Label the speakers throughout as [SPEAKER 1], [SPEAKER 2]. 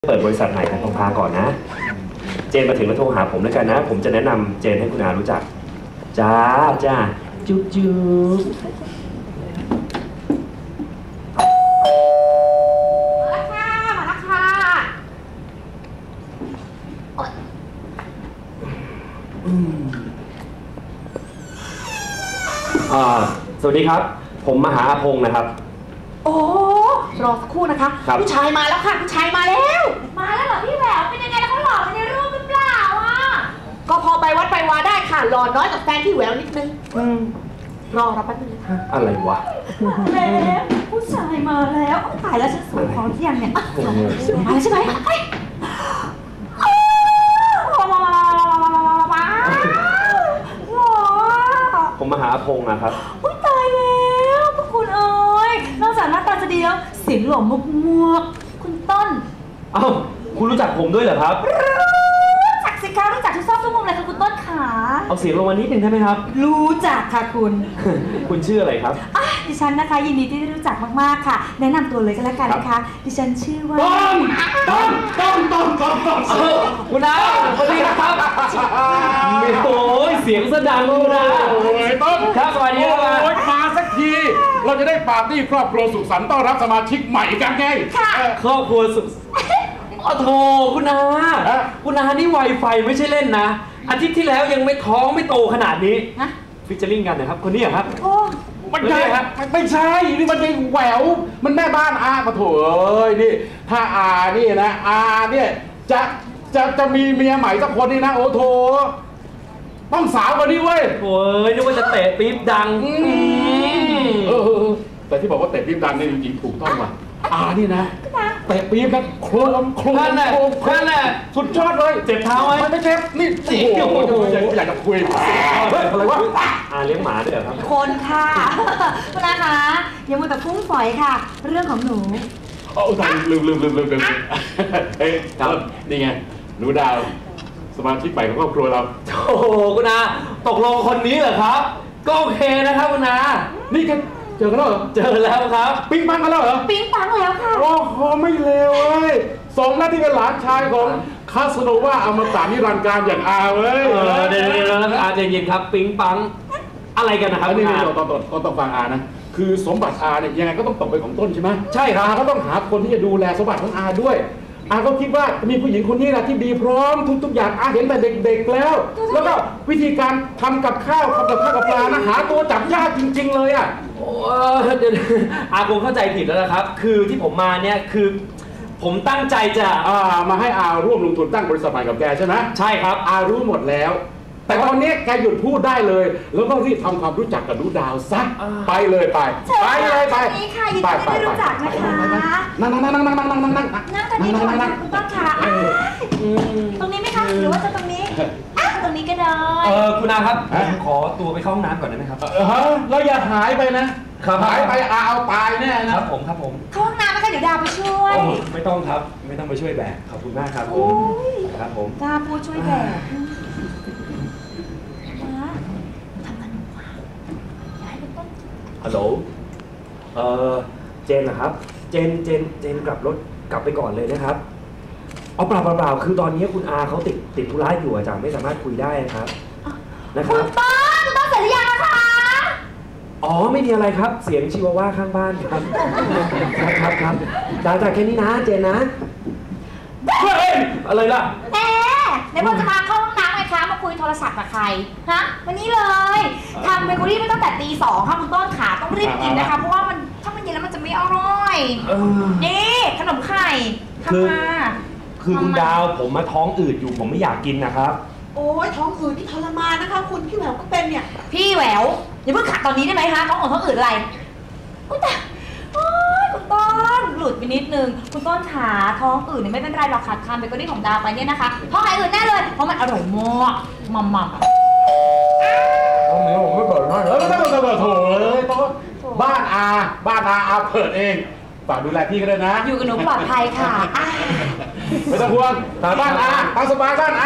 [SPEAKER 1] เปิดบริษัทใหม่ของทองพาก่อนนะเจนมาถึงแล้วโทรหาผมแล้วกันนะผมจะแนะนำเจนให้คุณอารู้จักจ้าจุ๊บจุ๊บ
[SPEAKER 2] มาแล้วค่ะ
[SPEAKER 1] สวัสดีครับผมมหาอาพงศ์นะครับ
[SPEAKER 2] โอ้รอสักครู่นะคะผู้ชายมาแล้วค่ะผู้ชายมาแล้วเหรอพี่แหววเป็นยังไงแล้วเขาหล่อในรูปหรือเปล่าอ่ะก็พอไปวัดไปวาได้ค่ะหล่อน้อยกว่าแฟนพี่แหววนิดนึงรอแป๊บนึง
[SPEAKER 1] อะไรวะ
[SPEAKER 2] แล้วผู้ชายมาแล้วตายแล้วฉันสวยพอที่ยังเนี่ยมาแล้วใช่ไหม
[SPEAKER 1] ผมมหาอาพงศ์นะครับ
[SPEAKER 2] ตายแล้วพวกคุณเอ้ยนอกจากหน้าตาจะดีแล้วเสียงหล่อมากๆคุณต้น
[SPEAKER 1] อ้าวคุณรู้จักผมด้วยเหรอครับ
[SPEAKER 2] รู้จักสิคะรู้จักทุกซอกทุกมุมเลยค่ะคุณต้นขา
[SPEAKER 1] เอาเสียงลงมานิดนึงได้ไหมครับ
[SPEAKER 2] รู้จักค่ะคุณ
[SPEAKER 1] คุณชื่ออะไรครับ
[SPEAKER 2] ดิฉันนะคะยินดีที่ได้รู้จักมากๆค่ะแนะนำตัวเลยก็แล้วกันนะคะดิฉันชื่อว่า
[SPEAKER 1] ต้นคุณอาสวัสดีครับโอ้ยเสียงสะดังคุณอา
[SPEAKER 3] ต้น
[SPEAKER 1] ครับสวัสดีครับ
[SPEAKER 3] มาสักทีเราจะได้ปาร์ตี้ครอบครัวสุขสันต์ต้อนรับสมาชิกใหม่กันไง
[SPEAKER 1] ครอบครัวสุขโธ่คุณอานี่ไวไฟไม่ใช่เล่นนะอาทิตย์ที่แล้วยังไม่ท้องไม่โตขนาดนี้ฟิชเจอริ่งกันนะครับคนนี้ครับ
[SPEAKER 3] มันใช่ครับไม่ใช่นี่มันเป็นแหววมันแม่บ้านอาปะโถเอ้ยนี่ถ้าอานี่นะอาเนี่ยจะมีเมียใหม่สักคนนี่นะโอ้โถต้องสาวกว่านี้เว้ย
[SPEAKER 1] โอ้ยนึกว่าจะเตะปี๊บดัง
[SPEAKER 3] แต่ที่บอกว่าเตะปี๊บดังนี่จริงๆถูกต้องว่ะนี่นะเตะปี๊บนะโครม
[SPEAKER 1] นั่นแหละ
[SPEAKER 3] สุดยอดเลย
[SPEAKER 1] เจ็บเท้าไหม
[SPEAKER 3] ไม่เจ็บนี่โอ้โหอยากจะคุยอะไรวะ
[SPEAKER 1] เลี้ยงหมาด้วยครับ
[SPEAKER 2] คนค่ะคุณอาคะอย่ามัวแต่ฟุ้งฝอยค่ะเรื่องของหนู
[SPEAKER 3] ลืมเฮ้ยครับนี่ไงหนูดาวสมาชิกใหม่ของครอบครัวเรา
[SPEAKER 1] โอ้โหคุณอาตกลงคนนี้เหรอครับก็โอเคนะครับคุณอา
[SPEAKER 3] นี่กันเจอกันแล้วเหรอ
[SPEAKER 1] เจอแล้วครับ
[SPEAKER 3] ปิ๊งปังกันแล้วเหรอ
[SPEAKER 2] ปิ๊งปังแล้วค่ะ
[SPEAKER 3] โอ้โหไม่เลวเว้ยสมแล้วที่เป็นหลานชายของคาสโนวาอมตะนิรันดร์การอย่างอาเว้ย
[SPEAKER 1] เดี๋ยวอาใจเย็นครับปิ๊งปังอะไรกันนะครับ
[SPEAKER 3] นี่ต้องฟังอานะคือสมบัติอาเนี่ยยังไงก็ต้องตกเป็นของต้นใช่ไหม
[SPEAKER 1] ใช่ครับ
[SPEAKER 3] ก็ต้องหาคนที่จะดูแลสมบัติของอาด้วยอาก็คิดว่ามีผู้หญิงคนนี้นะที่ดีพร้อมทุกอย่างอาเห็นแต่เด็กๆแล้วก็วิธีการทำกับข้าวกับปลานะหาตัวจับยากจริงๆเลยอ่ะ
[SPEAKER 1] เดี๋ยวอาคงเข้าใจผิดแล้วนะครับคือที่ผมมาเนี่ยคือผมตั้งใจจะ
[SPEAKER 3] มาให้อาร่วมลงทุนตั้งบริษัทใหม่กับแกใช่ไหม
[SPEAKER 1] ใช่ครับ
[SPEAKER 3] อารู้หมดแล้วแต่ตอนนี้แกหยุดพูดได้เลยแล้วก็รีบทำความรู้จักกับหนูดาวซะไปเลยไป
[SPEAKER 2] นี่ค่ะยินดีที่รู้จักนะคะ
[SPEAKER 3] นั่ง
[SPEAKER 2] ตรงนี้ก่อนนะคุณต้นค่ะตรงนี้ไหมคะหรือว่าจะตรงนี้ตรงนี้ก็ได้
[SPEAKER 1] คุณอาครับขอตัวไปเข้าห้องน้ำก่อนได้ไหมครับ
[SPEAKER 3] เราอย่าหายไปนะหายไปเอาตายแน่
[SPEAKER 1] นะครับผม
[SPEAKER 2] เข้าห้องน้ำไหมคะเดี๋ยวดาวไปช่วย
[SPEAKER 1] ไม่ต้องครับไม่ต้องไปช่วยแบกขอบคุณมากครับผม
[SPEAKER 2] ดาวพูดช่วยแบก
[SPEAKER 1] ฮัลโหลเจนนะครับเจนกลับรถกลับไปก่อนเลยนะครับเอาเปล่าคือตอนนี้คุณอาเขาติดธุระอยู่อาจารย์ไม่สามารถคุยได้นะครับ
[SPEAKER 2] คุณต้นเสร็จหรือยังคะ
[SPEAKER 1] ไม่มีอะไรครับเสียงชิวาว่าข้างบ้านครับครับจ่าแค่นี้นะเจนนะ
[SPEAKER 3] เฮ้ย
[SPEAKER 1] อะไรล่ะ
[SPEAKER 2] ในพอจะมาเข้าห้องน้ำไหมคะมาคุยโทรศัพท์กับใครฮะวันนี้เลยทำเบเกอรี่ไม่ตั้งแต่ตี 2ค่ะคุณต้นขาต้องรีบกินนะคะเพราะว่าถ้ามันเย็นแล้วมันจะไม่อร่อยนี่ขนมไข่ทำมา
[SPEAKER 1] คือคุณดาวผมมาท้องอืดอยู่ผมไม่อยากกินนะครับ
[SPEAKER 2] โอ้ยท้องอืดที่ทรมานนะคะคุณพี่แหววก็เป็นเนี่ยพี่แหววอย่าเพิ่งขัดตอนนี้ได้ไหมคะท้องอืดอะไรแต่คุณต้นหลุดไปนิดนึงคุณต้นขาท้องอืดเนี่ยไม่เป็นไรหรอกขาดคำเบเกอรี่ของดาวไปเนี่ยนะคะท้องหายอืดแน่เลยเพราะมันอร่อยมากมัม
[SPEAKER 3] ตรงนี้ผมไม่เปิดมากเลยโถเลยต้นบ้านอาเปิดเองฝากดูแลพี่ก็ได้นะ
[SPEAKER 2] อยู่กับหนูปลอดภัยค่ะ
[SPEAKER 3] ไม่ต้องห่วงบ้านอาตามสบายบ้านอา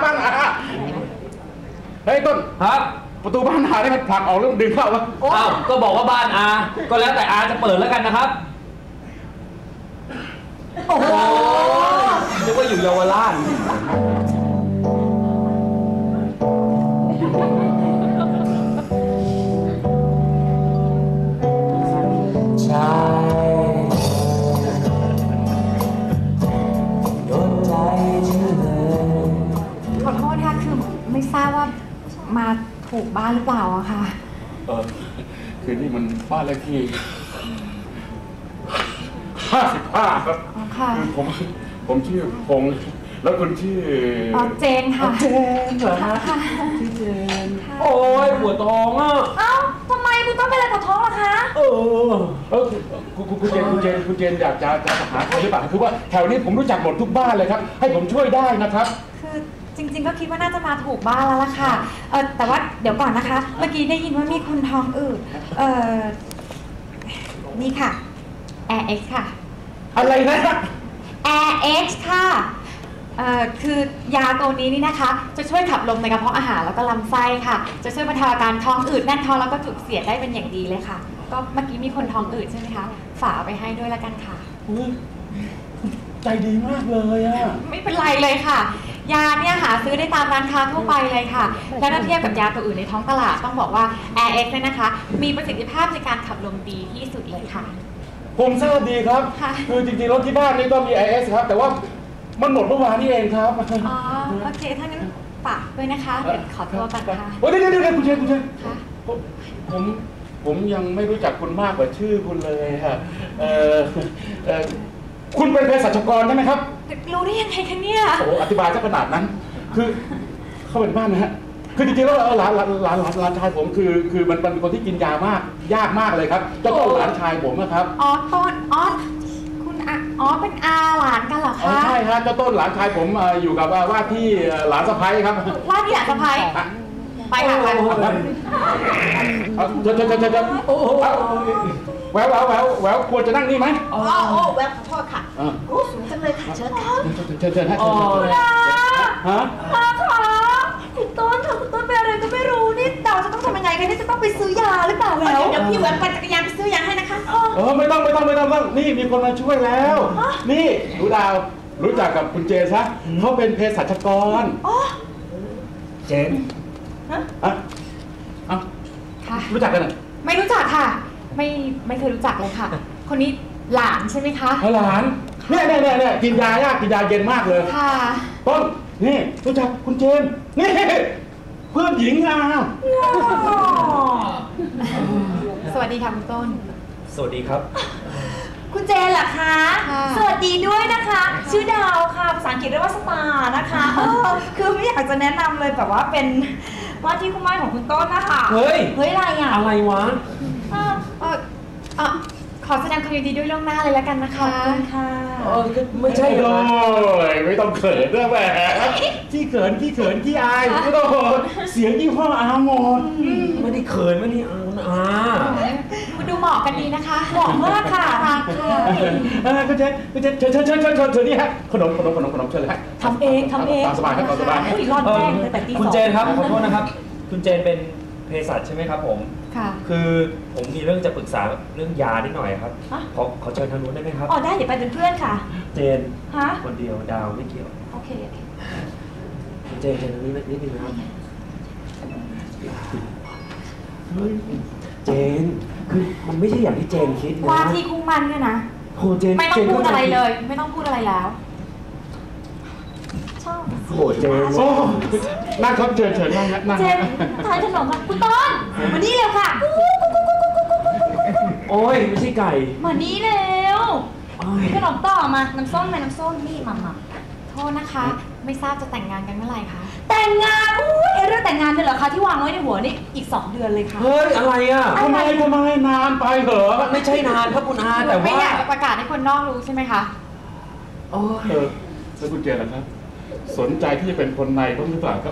[SPEAKER 3] เฮ้ยต้น
[SPEAKER 1] ครับ
[SPEAKER 3] ประตูบ้านอาได้มันผลักออกแล้วดึงเข้าวะ
[SPEAKER 1] ก็บอกว่าบ้านอาก็แล้วแต่อาจะเปิดแล้วกันนะครับ
[SPEAKER 2] โอ้โห
[SPEAKER 1] อยู่เยาวราชใช่โดนใจฉันเลย
[SPEAKER 2] ขอโทษค่ะคือไม่ทราบว่ามาถูกบ้านหรือเปล่าอะค่ะ
[SPEAKER 3] คือนี่มันบ้านเลขที่55ครับ
[SPEAKER 2] อ๋อค่ะ
[SPEAKER 3] คือผมชื่อพงษ์แล้วคุณชื่อ
[SPEAKER 2] อ๋อเจนค่ะ
[SPEAKER 1] เจนเหรอฮะ
[SPEAKER 2] ค่ะ
[SPEAKER 1] ชื่อเจนโอ้ยปวดท้องอ่ะ
[SPEAKER 2] เอ้าทำไมคุณต้องเป็นอะไรปวดท้องล่ะคะ
[SPEAKER 3] คุณเจนอยากจะหาใครหรือเปล่าคือว่าแถวนี้ผมรู้จักหมดทุกบ้านเลยครับให้ผมช่วยได้นะครับ
[SPEAKER 2] คือจริงๆก็คิดว่าน่าจะมาถูกบ้านแล้วล่ะค่ะแต่ว่าเดี๋ยวก่อนนะคะ เมื่อกี้ได้ยินว่ามีคนท้องอืดนี่ค่ะ Air X ค่ะ
[SPEAKER 3] อะไรนะ
[SPEAKER 2] Air X ค่ะคือยาตัวนี้นี่นะคะ จะช่วยขับลมในกระเพาะอาหารแล้วก็ลำไส้ค่ะ จะช่วยบรรเทาอาการท้องอืดแน่นท้องแล้วก็จุกเสียดได้เป็นอย่างดีเลยค่ะ ก็เมื่อกี้มีคนท้องอืดใช่ไหมคะ ฝากเอาไปให้ด้วยละกันค่ะ
[SPEAKER 3] ใจดีมากเลยอะ
[SPEAKER 2] ไม่เป็นไรเลยค่ะ ยาเนี่ยหาซื้อได้ตามร้านค้าทั่วไปเลยค่ะ แล้วถ้าเทียบกับยาตัวอื่นในท้องตลาดต้องบอกว่า Air X เนี่ยนะคะ มีประสิทธิภาพในการขับลมดีที่สุดเลยค่ะ
[SPEAKER 3] ผมทราบดีครับ
[SPEAKER 2] ค่ะ
[SPEAKER 3] คือจริงๆรถที่บ้านนี่ก็มี IS ครับแต่ว่ามันหมดเมื่อวานนี่เองครับ
[SPEAKER 2] อ๋อโอเคถ้างั้นฝากด้วยนะคะเดี๋ยวขอตัวก่อนค่ะ
[SPEAKER 3] โอ้ยเดี๋ยวคุณเชน
[SPEAKER 2] ค่ะ
[SPEAKER 3] ผมยังไม่รู้จักคุณมากกว่าชื่อคุณเลยฮะคุณเป็นเภสัชกรใช่ไหมครับ
[SPEAKER 2] รู้ได้ยังไงคะเนี่ย
[SPEAKER 3] โอ้อธิบายซะขนาดนั้น คือเข้าเป็นบ้านนะฮะคือจริงๆแล้วหลานชายผมคือมันเป็นคนที่กินยายากมากเลยครับเจ้าต้นหลานชายผมนะครับ
[SPEAKER 2] อ๋อต้นคุณเป็นอาหลานกันเหรอ
[SPEAKER 3] อ๋อ
[SPEAKER 2] คะ
[SPEAKER 3] ใช่ฮะเจ้าต้นหลานชายผมอยู่กับว่าที่หลานสะใภ้ครับ
[SPEAKER 2] ว่าที่หลานสะพ้ายไปค่ะไป
[SPEAKER 3] เชิญแหววควรจะนั่งนี่ไหม
[SPEAKER 4] แวบขอโทษค่ะโอ้สูงจังเลยค่ะเชิญค่ะ
[SPEAKER 3] เชิญฮะ ฮะ
[SPEAKER 4] ค่ะคุณต้นค่ะคุณต้นเป็นอะไรก็ไม่รู้นี่เราจะต้องทำยังไงกันนี่จะต้องไปซื้อยาหรือเปล่าแววเดี๋ยวพี่แวบปั่นจักรยานไปซื้อยาให้นะคะ
[SPEAKER 3] ไม่ต้องนี่มีคนมาช่วยแล้ว นี่หนูดาวรู้จักกับคุณเจซะเขาเป็นเภสัชกร
[SPEAKER 1] เจน
[SPEAKER 2] ค่ะ
[SPEAKER 3] รู้จักกันเหรอ
[SPEAKER 2] ไม่รู้จักค่ะ ไม่เคยรู้จักเลยค่ะ คนนี้หลานใช่ไหมคะ
[SPEAKER 3] หลานเนี่ยกินยายากกินยาเย็นมากเลย
[SPEAKER 2] ค่ะ
[SPEAKER 3] ต้นนี่รู้จักคุณเจนนี่เพื่อนหญิงอ่ะ
[SPEAKER 2] สวัสดีค่ะคุณต้น
[SPEAKER 1] สวัสดีครับ
[SPEAKER 4] คุณเจนเหรอคะ
[SPEAKER 2] ค่ะ
[SPEAKER 4] สวัสดีด้วยนะคะ ชื่อดาวค่ะภาษาอังกฤษเรียกว่าสตาร์นะคะคือไม่อยากจะแนะนำเลยแบบว่าเป็นว่าที่คุณแม่ของคุณต้นนะคะ
[SPEAKER 1] เฮ้ย
[SPEAKER 4] อะไรอ่ะ
[SPEAKER 1] อะไรวะ
[SPEAKER 2] ขอแสดงความยินดีด้วยล่วงหน้าเลยแล้วกันนะคะ
[SPEAKER 4] ค่ะ
[SPEAKER 1] ไม่ใช่เหร
[SPEAKER 3] โอ้
[SPEAKER 1] อ
[SPEAKER 3] ยไม่ต้องเขินด้วยแหมขี้เขินขี้อายไม่ต้องเสียงยี่ห้ออาหมด
[SPEAKER 1] ไม่ได้เขินไม่ได้อา
[SPEAKER 2] คุณดูเหมาะกันดีนะคะ
[SPEAKER 4] เหมาะมากค่ะ
[SPEAKER 2] รักค่ะ
[SPEAKER 3] คุณเจนเชิญนี่ฮะขนมเชิญเลยฮะ
[SPEAKER 4] ทำเองทำเอง
[SPEAKER 3] ตามสบายครับตามสบาย
[SPEAKER 4] อุ้ยร้อนแจ้งเลยแต่ตี
[SPEAKER 1] คุณเจนครับขอโทษนะครับ คุณเจนเป็นเภสัชใช่ไหมครับผม
[SPEAKER 2] ค่ะ
[SPEAKER 1] คือผมมีเรื่องจะปรึกษาเรื่องยานิดหน่อยครับขอเชิญทางนู้นได้ไหมครับ
[SPEAKER 4] อ๋อได้เดี๋ยวไปเป็นเพื่อนค่ะ
[SPEAKER 1] เจน
[SPEAKER 4] ฮะ
[SPEAKER 1] คนเดียวดาวไม่เกี่ยว
[SPEAKER 4] โอเค
[SPEAKER 1] คุณเจนทางนี้นิดนึงนะครับเจนคือมันไม่ใช่อย่างที่เจนคิดนะ
[SPEAKER 2] ว่าที่คู่มันเนี่ยนะ
[SPEAKER 1] โหเจน
[SPEAKER 2] ไม่ต้องพูดอะไรเลย ไม่ต้องพูดอะไรแล้ว
[SPEAKER 4] ชอบ
[SPEAKER 1] โหเจน
[SPEAKER 3] โอ้นั่งครับเชิญนั่งนั่ง
[SPEAKER 4] เจนทานขนมค่ะคุณต้นมานี่เร็วค่ะ
[SPEAKER 1] โอ้ยไม่ใช่ไก่
[SPEAKER 4] มานี่เร็ว
[SPEAKER 1] โอ้ย
[SPEAKER 4] ขนมต่อมาน้ำส้มไหมน้ำส้มนี่มา
[SPEAKER 2] โทษนะคะ ไม่ทราบจะแต่งงานกันเมื่อไหร่คะ
[SPEAKER 4] แต่งงานอุ้ยเรื่องแต่งงานเนี่ยเหรอคะที่วางไว้ในหัวนี่อีก2 เดือนเลยค่ะ
[SPEAKER 1] เฮ้ยอะไรอ่ะ
[SPEAKER 3] ทำไมนานไปเหรอ
[SPEAKER 1] มันไม่ใช่นานครับคุณอาแต่
[SPEAKER 2] ไม่
[SPEAKER 1] ว่า
[SPEAKER 2] อยากจะประกาศให้คนนอกรู้ใช่ไหมคะ
[SPEAKER 1] โอ้ย
[SPEAKER 3] แล้วคุณเจนล่ะครับ สนใจที่จะเป็นคนในบ้างหรือเปล่าครับ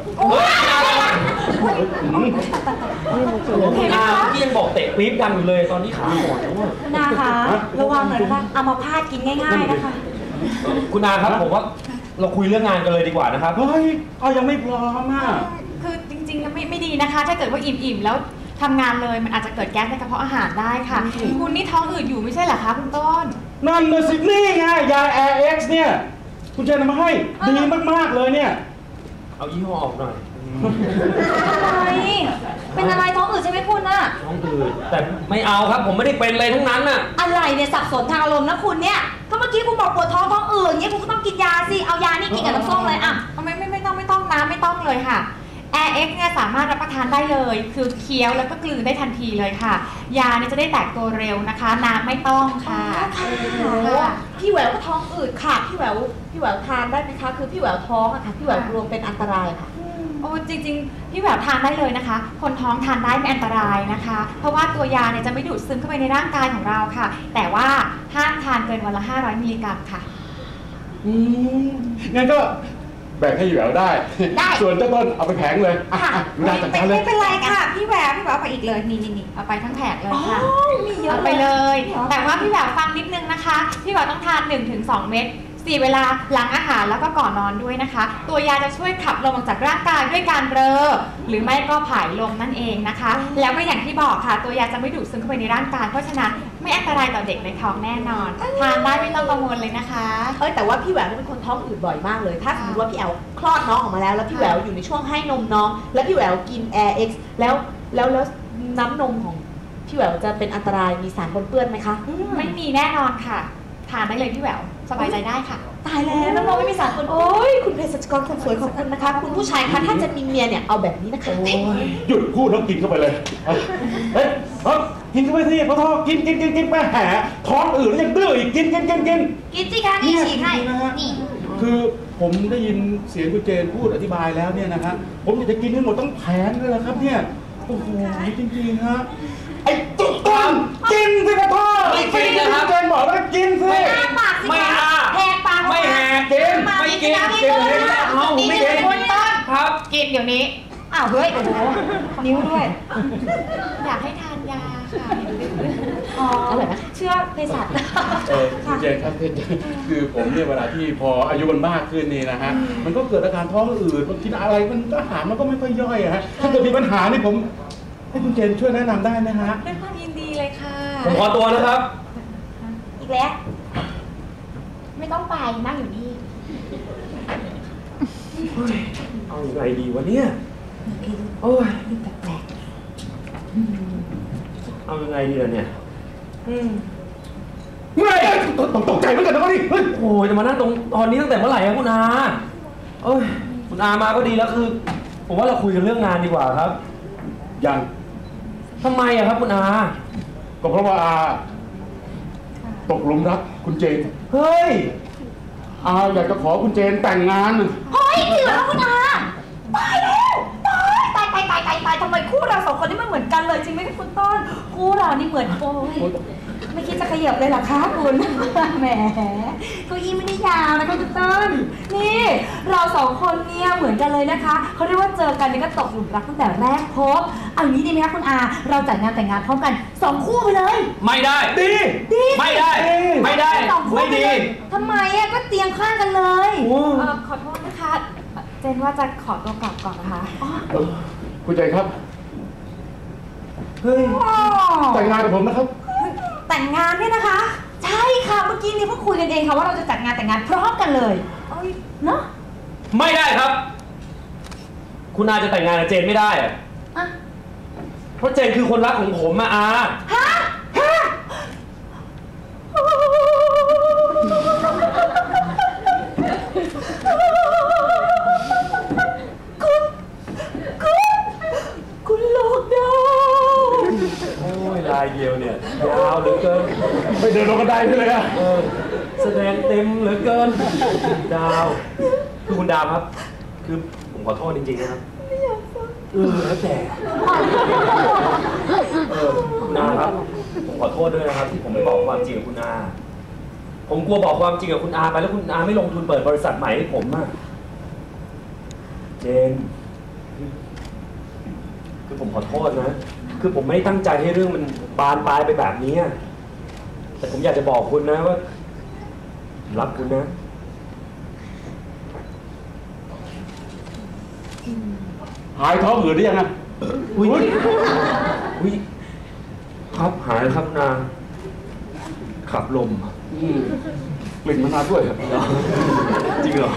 [SPEAKER 1] คุณอาเมื่อกี้ยังบอกเตะปี๊บดังอยู่เลยตอนนี้ขาอ่อนแล้วอะ
[SPEAKER 4] คุณอาคะระวังหน่อยนะคะเอามาพาดกินง่ายๆนะคะ
[SPEAKER 1] คุณอาครับผมว่าเราคุยเรื่องงานกันเลยดีกว่านะครับ
[SPEAKER 3] เฮ้ยเอายังไม่พร้อมอ่ะ
[SPEAKER 2] คือจริงๆไม่ดีนะคะ ถ้าเกิดว่าอิ่มๆแล้วทำงานเลยมันอาจจะเกิดแก๊สในกระเพาะอาหารได้ค่ะ คุณนี่ท้องอืดอยู่ไม่ใช่เหรอคะคุณต้น
[SPEAKER 3] นั่นน่ะสินี่ไงยา Air X เนี่ยคุณเจนเอามาให้ดีมากๆเลยเนี่ย
[SPEAKER 1] เอายี่ห้อออกหน่อย
[SPEAKER 2] อะไรเป็นอะไรท้องอืดใช่ไหมคุณน่ะ
[SPEAKER 1] ท้องอืดแต่ไม่เอาครับ ผมไม่ได้เป็นเลยทั้งนั้นน่ะ
[SPEAKER 2] อะไรเนี่ยสับสนทางอารมณ์นะคุณเนี่ยก็เมื่อกี้คุณบอกปวดท้องอืดเนี่ยคุณก็ต้องกินยาสิเอายานี่กินกับน้ำส้มเลยอ่ะไม่ต้องนะไม่ต้องเลยค่ะ AirX เนี่ยสามารถรับประทานได้เลยคือเคี้ยวแล้วก็กลืนได้ทันทีเลยค่ะยาเนี่ยจะได้แตกตัวเร็วนะคะน้ำไม่ต้องค่ะ
[SPEAKER 5] พี่แหววก็ท้องอืดค่ะพี่แหววทานได้ไหมคะคือพี่แหววท้องอะค่ะพี่แหววกลัวเป็นอันตรายค่ะ
[SPEAKER 2] โอ้จริงๆพี่แบบทานได้เลยนะคะ คนท้องทานได้ไม่อันตรายนะคะ เพราะว่าตัวยาเนี่ยจะไม่ดูดซึมเข้าไปในร่างกายของเราค่ะ แต่ว่าห้ามทานเกินวันละ500มิลลิกรัมค่ะ
[SPEAKER 3] งั้นก็แบ่งให้แหววได้ ส่วนเจ้าต้นเอาไปแผงเลยอ่ะดูได้จัดการเลย
[SPEAKER 2] ไม่เป็นไรค่ะพี่แหววเอาไปอีกเลยนี่เอาไปทั้งแผงเลยค่ะเอาไปเลย แต่ว่าพี่แหววฟังนิดนึงนะคะพี่แหววต้องทาน 1-2 เม็ด4 เวลาหลังอาหารแล้วก็ก่อนนอนด้วยนะคะ ตัวยาจะช่วยขับลมออกจากร่างกายด้วยการเรอหรือไม่ก็ผายลมนั่นเองนะคะ แล้วก็อย่างที่บอกค่ะตัวยาจะไม่ดูดซึมเข้าไปในร่างกายเพราะฉะนั้นไม่อันตรายต่อเด็กในท้องแน่นอนทานได้ไม่ต้องกังวลเลยนะคะ
[SPEAKER 5] แต่ว่าพี่แหววเป็นคนท้องอืดบ่อยมากเลยถ้าสมมติว่าพี่แอลคลอดน้องออกมาแล้วพี่แหววอยู่ในช่วงให้นมน้องแล้วพี่แหววกิน AirX แล้วน้ำนมของพี่แหววจะเป็นอันตรายมีสารปนเปื้อนไหมคะ
[SPEAKER 2] ไม่มีแน่นอนค่ะทานได้เลยพี่แหววสบายใจได้ค่ะ
[SPEAKER 5] ตายแล้วน้องๆไม่มีสารปนเปื้อนโอ้ยคุณเภสัชกรคนสวยของคุณนะคะคุณผู้ชายคะถ้าจะมีเมียเนี่ยเอาแบบนี้นะคะ
[SPEAKER 3] หยุดพูดแล้วกินเข้าไปเลยเฮ้ยกินเข้าไปสิพอท้องกินไปแหมท้องอืดแล้วยังดื้ออีกกิน
[SPEAKER 2] กินสิคะนี่ฉีกให้
[SPEAKER 3] นะฮะ
[SPEAKER 2] นี่
[SPEAKER 3] คือผมได้ยินเสียงคุณเจนพูดอธิบายแล้วเนี่ยนะฮะผมอยากจะกินให้หมดต้องแผงเลยละครับเนี่ยโอ้โหจริงๆฮะไอ้ตุ๊กตากินสิครับพ่อ
[SPEAKER 1] ไม่กินนะครับ
[SPEAKER 3] เจนบอกว่ากินสิ
[SPEAKER 2] อ้าปากสิ
[SPEAKER 1] ไม่
[SPEAKER 2] คะ
[SPEAKER 1] อ้า
[SPEAKER 2] แหกปาก
[SPEAKER 1] ไม่แหก
[SPEAKER 3] กิน
[SPEAKER 1] ไม่กิน
[SPEAKER 2] กินเลยค่ะ
[SPEAKER 1] เอาไม่กิน
[SPEAKER 2] คุณต้น
[SPEAKER 1] ครับ
[SPEAKER 2] กินเดี๋ยวนี้อ้าวเฮ้ยโอ้โหนิ้วด้วย อยากให้ทานยาค่ะอ๋อเชื่อเภสัช
[SPEAKER 3] คุณเจนครับคือผมเนี่ยเวลาที่พออายุมันมากขึ้นนี่นะฮะมันก็เกิดอาการท้องอืดมันกินอะไรมันอาหารมันก็ไม่ค่อยย่อยอะฮะถ้าเกิดมีปัญหานี่ผมให้คุณเจนช่วยแนะนำได้ไหมฮะ
[SPEAKER 2] ด้วยความยินดีเลยค่ะ
[SPEAKER 1] ผมขอตัวนะครับ
[SPEAKER 2] อีกแล้ว ไม่ต้องไปนั่งอยู่นี่
[SPEAKER 1] เอายังไงดีวะเนี่ยโอ้ย
[SPEAKER 2] แปลก
[SPEAKER 1] เอายังไงดีล่ะเนี่ย
[SPEAKER 3] เมื่อไหร่ตกใจเหมือนกันนะนี่เฮ้ย
[SPEAKER 1] โอ้ยจะมานั่งตรงตอนนี้ตั้งแต่เมื่อไหร่ครับคุณอาเอ้ยคุณอามาก็ดีแล้วคือ ผมว่าเราคุยกันเรื่องงานดีกว่าครับ
[SPEAKER 3] ยัง
[SPEAKER 1] ทำไมอะครับคุณอา
[SPEAKER 3] ก็เพราะว่าอาตกหลุมรักคุณเจน
[SPEAKER 1] เฮ้ย
[SPEAKER 3] อาอยากจะขอคุณเจนแต่งงาน
[SPEAKER 2] เฮ้ยจริงเหรอคุณอาตายแล้วตายทำไมคู่เราสองคนนี่มันเหมือนกันเลยจริงไหมคุณต้นคู่เรานี่เหมือนโอ้ยไม่คิดจะขยับเลยเหรอคะคุณแหมเก้าอี้ไม่ได้ยาวนะคะคุณต้นนี่เราสองคนเนี่ยเหมือนกันเลยนะคะเขาเรียกว่าเจอกันนี่ก็ตกหลุมรักตั้งแต่แรกพบเอาอย่างนี้ดีไหมคะคุณอาเราจัดงานแต่งงานพร้อมกัน2 คู่ไปเลย
[SPEAKER 1] ไม่ได้
[SPEAKER 3] ดี
[SPEAKER 1] ไม่ได้ ไม่ได้
[SPEAKER 2] สองคู่
[SPEAKER 1] ไม่
[SPEAKER 2] ป
[SPEAKER 1] ดี
[SPEAKER 2] เลยทำไมอะก็เตียงข้างกันเลย
[SPEAKER 1] โอ้
[SPEAKER 2] ขอโทษนะคะเจนว่าจะขอตัวกลับก่อนนะคะ
[SPEAKER 3] คุณเจนครับ
[SPEAKER 1] เฮ้ย
[SPEAKER 3] แต่งงานกับผมนะครับ
[SPEAKER 2] แต่งงานเนี่ยนะคะ ใช่ค่ะเมื่อกี้นี้เพิ่งคุยกันเองค่ะว่าเราจะจัดงานแต่งงานพร้อมกันเลยเนาะ
[SPEAKER 1] ไม่ได้ครับ คุณอาจะแต่งงานกับเจนไม่ได้อะ
[SPEAKER 2] อ่ะ
[SPEAKER 1] เพราะเจนคือคนรักของผมอะอา
[SPEAKER 2] ฮะคุณโลกดาว
[SPEAKER 1] โอ้ยลายเดียวเนี่ยยาวเหลือเกิน
[SPEAKER 3] ไม่เดินลงกระไดไปเลยอะ
[SPEAKER 1] แสดงเต็มเหลือเกิน ดาวคือคุณดาวครับ คือผมขอโทษจริงๆนะครับแล้วแต่คุณอาครับผมขอโทษด้วยนะครับที่ผมไม่บอกความจริงกับคุณอาผมกลัวบอกความจริงกับคุณอาไปแล้วคุณอาไม่ลงทุนเปิดบริษัทใหม่ให้ผมอะเจนคือผมขอโทษนะคือผมไม่ได้ตั้งใจให้เรื่องมันบานปลายไปแบบนี้แต่ผมอยากจะบอกคุณนะว่ารักคุณนะ
[SPEAKER 3] หายท้องอืดหรือยังอะ
[SPEAKER 1] อุ้ยครับหายแล้วครับนาขับลม
[SPEAKER 3] กลิ่นมะนาวด้วยครับ
[SPEAKER 1] จริงเหรอ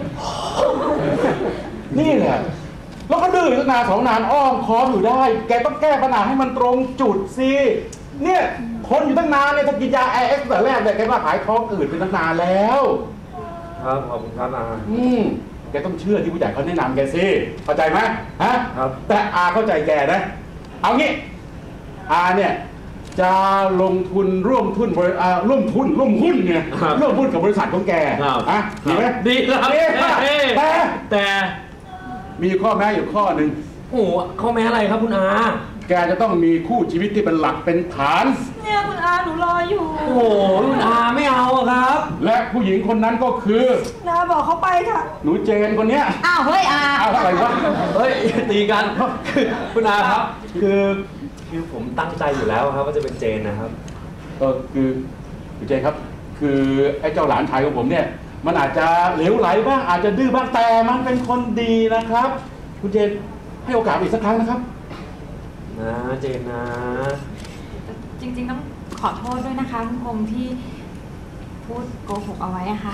[SPEAKER 3] นี่แหละแล้วก็ดื้อตั้งนาน2 นานอ้อมค้อมอยู่ได้ แกต้องแก้ปัญหาให้มันตรงจุดสิเนี่ยทนอยู่ตั้งนานเนี่ยถ้ากินยา AX แต่แรกเนี่ยแกก็หายท้องอืดไปตั้งนานแล้ว
[SPEAKER 1] ครับขอบคุณครับอา
[SPEAKER 3] แกต้องเชื่อที่ผู้ใหญ่เขาแนะนำแกสิเข้าใจไหมฮะ
[SPEAKER 1] ครับ
[SPEAKER 3] แต่อาเข้าใจแกนะเอางี้อาเนี่ยจะลงทุนร่วมหุ้นเนี่ยร่วมหุ้นกับบริษัทของแกอ่ะดีไหม
[SPEAKER 1] ดีครับ
[SPEAKER 3] แต่
[SPEAKER 1] แต่
[SPEAKER 3] มีข้อแม้อยู่ข้อหนึ่ง
[SPEAKER 1] โอ้โหข้อแม้อะไรครับคุณอา
[SPEAKER 3] แกจะต้องมีคู่ชีวิตที่เป็นหลักเป็นฐาน
[SPEAKER 4] เนี่ยคุณอาหนูรออยู่
[SPEAKER 1] โอ้โหคุณอาไม่เอาอะครับ
[SPEAKER 3] และผู้หญิงคนนั้นก็คือ
[SPEAKER 4] นาบอกเขาไปค่ะ
[SPEAKER 3] หนูเจนคนเนี้ย
[SPEAKER 2] อ้าวเฮ้ยอา
[SPEAKER 3] เอาอะไรวะ
[SPEAKER 1] เฮ้ยตีกันคือคุณอาครับ คือผมตั้งใจอยู่แล้วครับว่าจะเป็นเจนนะครับ
[SPEAKER 3] คือคุณเจนครับ คือไอ้เจ้าหลานชายของผมเนี่ย มันอาจจะเหลวไหลบ้างอาจจะดื้อบ้างแต่มันเป็นคนดีนะครับ คุณเจนให้โอกาสอีกสักครั้งนะครับ
[SPEAKER 1] นะเจนนะ
[SPEAKER 4] จริงๆต้องขอโทษด้วยนะคะคุณคมที่พูดโกหกเอาไว้อะค่ะ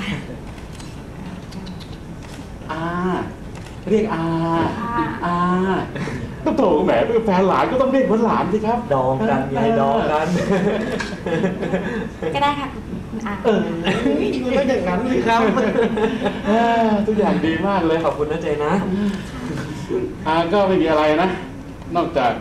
[SPEAKER 3] เรียกอาต้องโถแหมเป็นแฟนหลานก็ต้องเรียกเหมือนหลานสิครับ
[SPEAKER 1] ดองกันไงดองกัน
[SPEAKER 4] ก็ได้ค่ะคุณอา
[SPEAKER 1] มันก็อย่างนั้นสิครับ
[SPEAKER 3] ทุกอย่างดีมากเลย
[SPEAKER 1] ขอบคุณนะเจนนะ
[SPEAKER 3] ก็ไม่มีอะไรนะ นอกจาก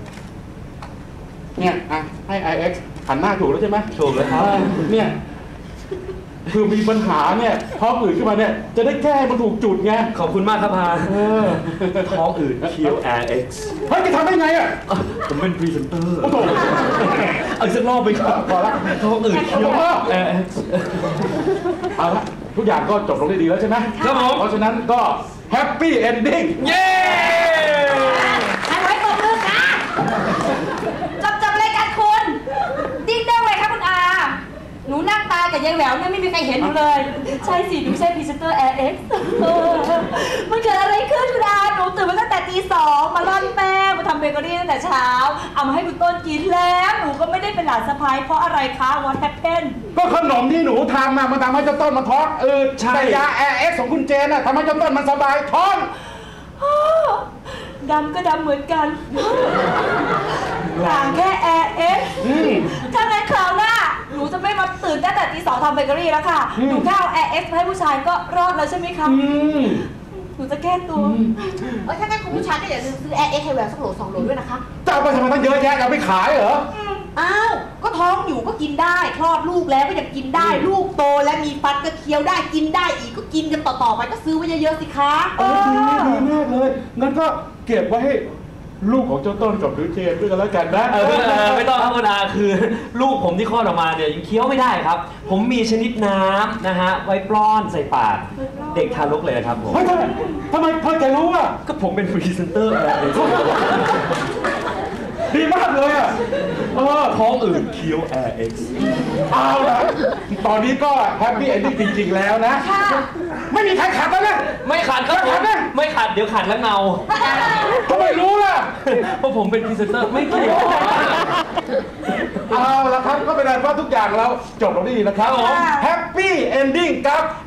[SPEAKER 3] เนี่ยให้ IX หันหน้าถูกแล้วใช่ไหม
[SPEAKER 1] ถูกแล้วครับ
[SPEAKER 3] เนี่ยคือมีปัญหาเนี่ยท้องอืดขึ้นมาเนี่ยจะได้แก้ให้มันถูกจุดไง
[SPEAKER 1] ขอบคุณมากครับพาท้องอืด QRX
[SPEAKER 3] เฮ้ยจะทำได้ไงอ่ะ
[SPEAKER 1] ผมเป็นพรีเซนเตอร์
[SPEAKER 3] โอ้โห
[SPEAKER 1] เอาอีกสักรอบไปครับ
[SPEAKER 3] พอละ
[SPEAKER 1] ท้องอืด QRX
[SPEAKER 3] เอาละทุกอย่างก็จบลงได้ดีแล้วใช่ไหม
[SPEAKER 1] ครับผม
[SPEAKER 3] เพราะฉะนั้นก็แฮปปี้เอนดิ้ง
[SPEAKER 1] เย้
[SPEAKER 2] ให้ไว้ตรงนึงนะ
[SPEAKER 4] จบรายการคุณดิ้งได้เลยค่ะคุณอา หนูนั่งตายกับยายแหววเนี่ยไม่มีใครเห็นหนูเลย ใช่สิหนูใช่พรีเซนเตอร์ AX มันเกิดอะไรขึ้นคุณอาหนูตื่นมาตั้งแต่ตี 2มาร่อนแป้งมาทำเบเกอรี่ตั้งแต่เช้าเอามาให้คุณต้นกินแล้วหนูก็ไม่ได้เป็นหลานสะพ้ายเพราะอะไรคะ What happened
[SPEAKER 3] ก็ขนมที่หนูทำมันทำให้เจ้าต้นมันท้องอืดแต่ยา AX ของคุณเจนน่ะทำให้เจ้าต้นมันสบายท้อง
[SPEAKER 4] ดำก็ดำเหมือนกันต่างแค่ AX ถ้างั้นคราวหน้าหนูจะไม่มาตื่นตั้งแต่ตี 2ทำเบเกอรี่แล้วค่ะหนูแค่เอา AX มาให้ผู้ชายก็รอดแล้วใช่ไหมคะหนูจะแก้ตัว
[SPEAKER 5] ถ้างั้นคุณผู้ชายก็อย่าลืมซื้อ AX ให้แหววสักโหล2 โหลด้วยนะคะ
[SPEAKER 3] จะเอาไปทำไมตั้งเยอะแยะจะเอาไปขายเหรอ
[SPEAKER 5] อ้าว ก็ท้องอยู่ก็กินได้ คลอดลูกแล้วก็ยังกินได้ ลูกโตและมีฟันก็เคี้ยวได้กินได้อีกก็กินกันต่อๆไปก็ซื้อไว้เยอะๆสิคะ
[SPEAKER 3] ดีมากเลย งั้นก็เก็บไว้ให้ลูกของเจ้าต้นกับหนูเจนด้วยกันแล้วกันนะ
[SPEAKER 1] ไม่ต้องครับคุณอาคือลูกผมที่คลอดออกมาเนี่ยยังเคี้ยวไม่ได้ครับ ผมมีชนิดน้ำนะฮะไว้ป้อนใส่ปากเด็กทารกเลยครับผม
[SPEAKER 3] เฮ้ยทำไมพ่อแกรู้อ่ะ
[SPEAKER 1] ก็ผมเป็นพรีเซนเตอร์อะไร
[SPEAKER 3] ดีมากเลยอ่ะ
[SPEAKER 1] ท้องอืด QRX
[SPEAKER 3] เอาละตอนนี้ก็แฮปปี้เอนดิ้งจริงๆแล้วนะ ไม่มีใครขัดแล้วนะ
[SPEAKER 1] ไม่ขัดครับผมไม่ขัดเดี๋ยวขัดแล้วเงา
[SPEAKER 3] ทำไมรู้ล่ะ
[SPEAKER 1] เพราะผมเป็นพรีเซนเตอร์ไม่เกี่ยว
[SPEAKER 3] เอาละครับก็เป็นอันว่าทุกอย่างเราจบลงได้ดีนะครับแฮปปี้เอนดิ้งกับ